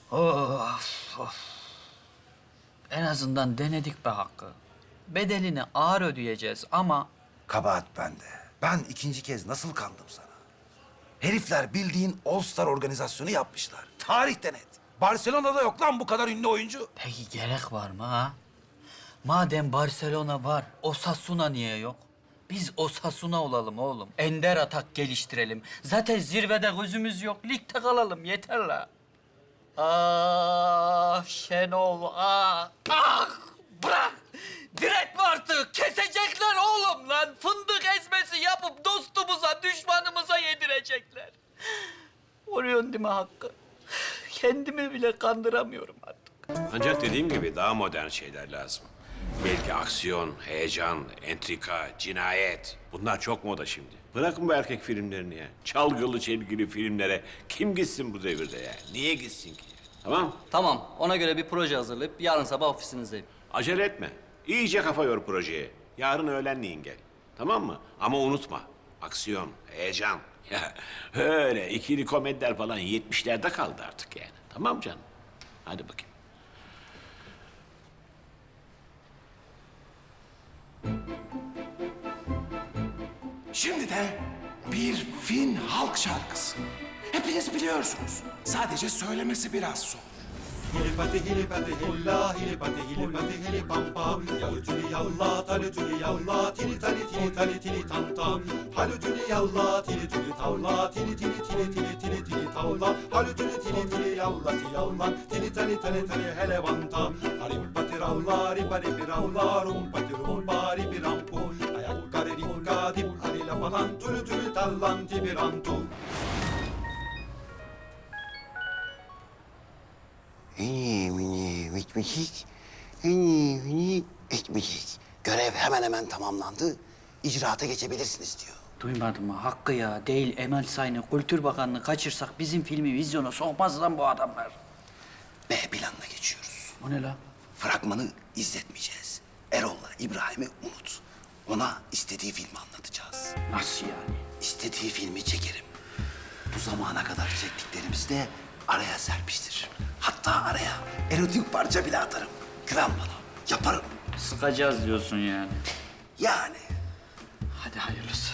Of, of. En azından denedik be Hakkı. Bedelini ağır ödeyeceğiz ama... Kabahat bende. Ben ikinci kez nasıl kandım sana? Herifler bildiğin All Star organizasyonu yapmışlar. Tarihte net. Barcelona'da yok lan bu kadar ünlü oyuncu. Peki gerek var mı ha? Madem Barcelona var, Osasuna niye yok? Biz Osasuna olalım oğlum. Ender atak geliştirelim. Zaten zirvede gözümüz yok. Ligde kalalım yeter la. Ah Şenol ah. Ah bırak. Diretme artık. Kesecekler oğlum lan. Fındık ezmesi yapıp dostumuza, düşmanımıza yedirecekler. Oluyorsun değil mi Hakkı? Kendimi bile kandıramıyorum artık. Ancak dediğim gibi daha modern şeyler lazım. Belki aksiyon, heyecan, entrika, cinayet. Bunlar çok moda şimdi. Bırakın bu erkek filmlerini ya. Çalgılı çelgili filmlere kim gitsin bu devirde ya? Niye gitsin ki? Tamam? Tamam, ona göre bir proje hazırlayıp yarın sabah ofisinizdeyim. Acele etme. İyice kafa yor projeye. Yarın öğlenleyin gel. Tamam mı? Ama unutma. Aksiyon, heyecan. Ya öyle ikili komediler falan 70'lerde kaldı artık yani. Tamam canım? Hadi bakayım. Şimdi de bir Fin halk şarkısı. Hepiniz biliyorsunuz. Sadece söylemesi biraz zor. Hilipati hilipati hilla hilipati hilipati hilipampa Yalutuli yalla talutuli yalla tili tali tili tali tili tanta Halutuli yalla tili tili tavla tili tili tili tili tili tili tavla Halutuli tili tili yalla ti yalla tili tali tali tali helevanta Harimpati ravla ripari piravla rumpati rumpa ripirampu Ayakkare rikka dip harila palan tülü tülü tallan tibirantu Bitmişik. Bitmişik. Görev hemen hemen tamamlandı. İcraata geçebilirsiniz diyor. Duymadın mı? Hakkı ya. Değil Emel Sayın'ı, Kültür Bakanlığı kaçırsak bizim filmi vizyona sokmaz lan bu adamlar. B planına geçiyoruz. O ne la? Fragmanı izletmeyeceğiz. Erol'la İbrahim'i unut. Ona istediği filmi anlatacağız. Nasıl yani? İstediği filmi çekerim. Bu zamana kadar çektiklerimizi de araya serpiştiririm. Hatta araya erotik parça bile atarım. Güven bana. Yaparım. Sıkacağız diyorsun yani. Yani. Hadi hayırlısı.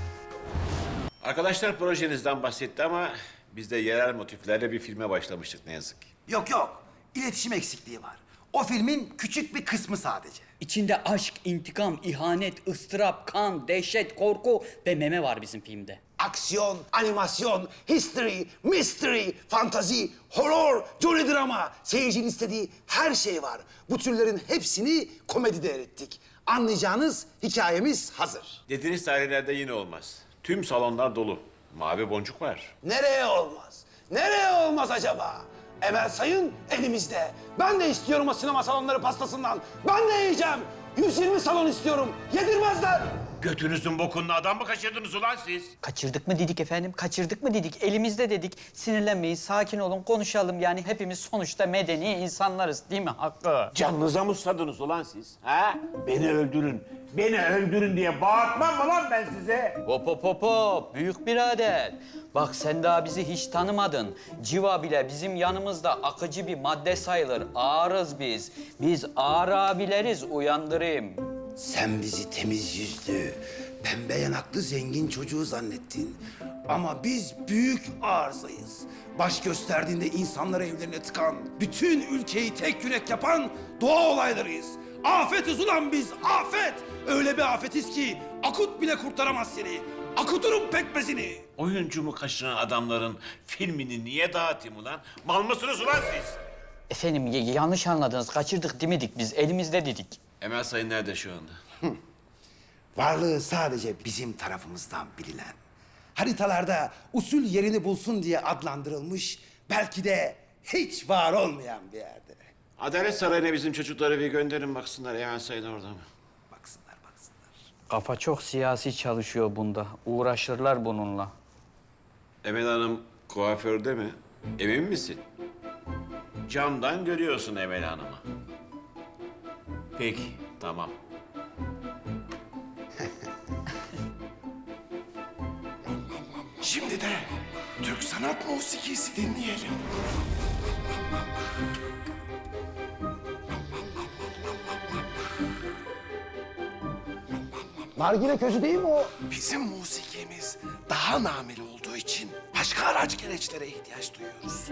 Arkadaşlar projenizden bahsetti ama biz de yerel motiflerle bir filme başlamıştık ne yazık ki. Yok yok. İletişim eksikliği var. O filmin küçük bir kısmı sadece. İçinde aşk, intikam, ihanet, ıstırap, kan, dehşet, korku ve meme var bizim filmde. Aksiyon, animasyon, history, mystery, fantazi, horror, jolly drama. Seyircinin istediği her şey var. Bu türlerin hepsini komedide erittik. Anlayacağınız hikayemiz hazır. Dediğiniz tarihlerde yine olmaz. Tüm salonlar dolu. Mavi boncuk var. Nereye olmaz? Nereye olmaz acaba? Emel Sayın elimizde. Ben de istiyorum o sinema salonları pastasından. Ben de yiyeceğim. 120 salon istiyorum. Yedirmezler. Götünüzün bokunlu adam mı kaçırdınız ulan siz? Kaçırdık mı dedik efendim, kaçırdık mı dedik. Elimizde dedik. Sinirlenmeyin, sakin olun, konuşalım. Yani hepimiz sonuçta medeni insanlarız değil mi Hakkı? Canınıza mı susadınız ulan siz? Ha? Beni öldürün. Beni öldürün diye bağırtmam mı lan ben size? Hop hop hop hop, büyük birader. Bak sen daha bizi hiç tanımadın. Civa bile bizim yanımızda akıcı bir madde sayılır. Ağırız biz. Biz ağır abileriz, uyandırayım. Sen bizi temiz yüzlü, pembe yanaklı zengin çocuğu zannettin. Ama biz büyük arızayız. Baş gösterdiğinde insanları evlerine tıkan, bütün ülkeyi tek yürek yapan doğa olaylarıyız. Afetiz ulan biz, afet! Öyle bir afetiz ki akut bile kurtaramaz seni. Akuturum pekmezini. Oyuncumu kaçıran adamların filmini niye dağıtayım ulan? Mal mısınız ulan siz? Efendim yanlış anladınız. Kaçırdık demedik biz. Elimizde dedik. Emel Sayın nerede şu anda? Varlığı sadece bizim tarafımızdan bilinen. Haritalarda usul yerini bulsun diye adlandırılmış, belki de hiç var olmayan bir yerde. Adalet Sarayı'na bizim çocukları bir gönderin baksınlar Emel Sayın orada mı? Baksınlar, baksınlar. Kafa çok siyasi çalışıyor bunda. Uğraşırlar bununla. Emel Hanım kuaförde mi? Emin misin? Camdan görüyorsun Emel Hanım'ı. Peki, tamam. Şimdi de Türk sanat musikisi dinleyelim. Nargile közü değil mi o? Bizim musikimiz daha nameli olduğu için başka araç gereçlere ihtiyaç duyuyoruz.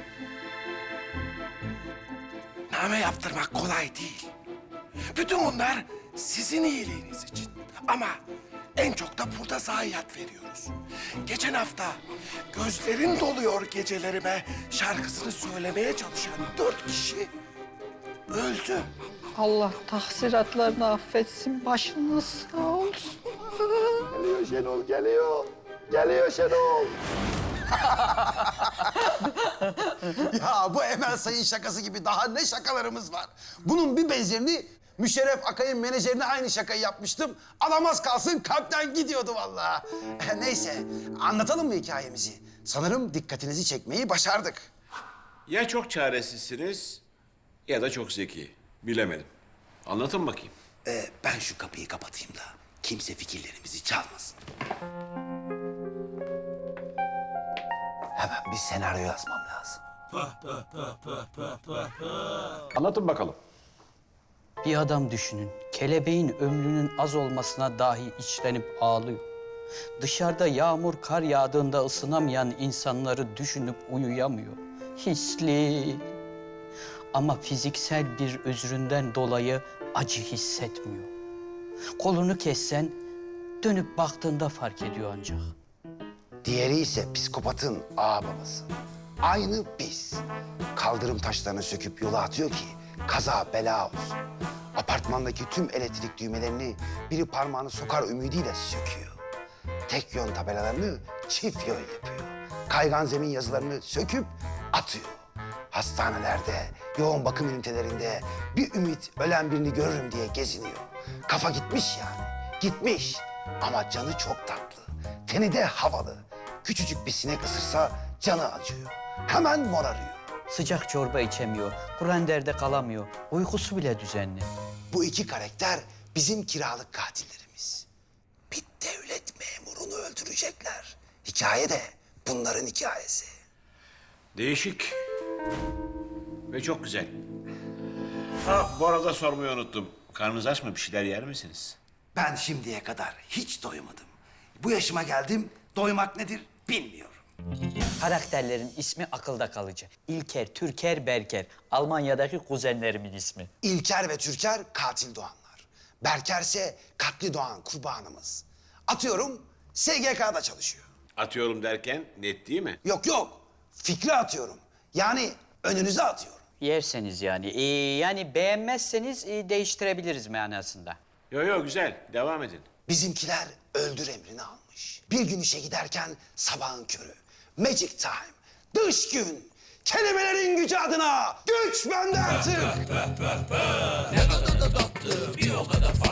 Name yaptırmak kolay değil. Bütün bunlar sizin iyiliğiniz için. Ama en çok da burada zayiat veriyoruz. Geçen hafta gözlerin doluyor gecelerime şarkısını söylemeye çalışan 4 kişi öldü. Allah tahsiratlarını affetsin, başınız sağ olsun. Geliyor Şenol, geliyor. Geliyor Şenol. Ya bu Emel Sayın şakası gibi daha ne şakalarımız var. Bunun bir benzerini Müşerref Akay'ın menajerine aynı şakayı yapmıştım. Alamaz kalsın kalpten gidiyordu vallahi. Neyse anlatalım mı hikayemizi? Sanırım dikkatinizi çekmeyi başardık. Ya çok çaresizsiniz ya da çok zeki. Bilemedim. Anlatın bakayım. Ben şu kapıyı kapatayım da kimse fikirlerimizi çalmasın. Hemen bir senaryo yazmam lazım. Anlatın bakalım. Bir adam düşünün. Kelebeğin ömrünün az olmasına dahi içlenip ağlıyor. Dışarıda yağmur, kar yağdığında ısınamayan insanları düşünüp uyuyamıyor. Hisli. Ama fiziksel bir özründen dolayı acı hissetmiyor. Kolunu kessen dönüp baktığında fark ediyor ancak. Diğeri ise psikopatın ağababası. Aynı biz. Kaldırım taşlarını söküp yola atıyor ki kaza bela olsun. Apartmandaki tüm elektrik düğmelerini biri parmağını sokar ümidiyle söküyor. Tek yön tabelalarını çift yön yapıyor. Kaygan zemin yazılarını söküp atıyor. Hastanelerde, yoğun bakım ünitelerinde bir ümit ölen birini görürüm diye geziniyor. Kafa gitmiş yani, gitmiş. Ama canı çok tatlı, teni de havalı. Küçücük bir sinek ısırsa canı acıyor. Hemen morarıyor. Sıcak çorba içemiyor, branderde kalamıyor, uykusu bile düzenli. Bu iki karakter bizim kiralık katillerimiz. Bir devlet memurunu öldürecekler. Hikaye de bunların hikayesi. Değişik. Ve çok güzel. Ha, bu arada sormayı unuttum. Karnınız aç mı? Bir şeyler yer misiniz? Ben şimdiye kadar hiç doymadım. Bu yaşıma geldim, doymak nedir bilmiyorum. Karakterlerin ismi akılda kalıcı. İlker, Türker, Berker. Almanya'daki kuzenlerimin ismi. İlker ve Türker katil doğanlar. Berker ise katli doğan kurbanımız. Atıyorum SGK'da çalışıyor. Atıyorum derken net değil mi? Yok yok, fikri atıyorum. Yani önünüze atıyorum. Yerseniz yani. Yani beğenmezseniz değiştirebiliriz manasında. Yo güzel. Devam edin. Bizimkiler öldür emrini almış. Bir gün işe giderken sabahın körü. Magic time, dış gün. Kelimelerin gücü adına güç bende artık.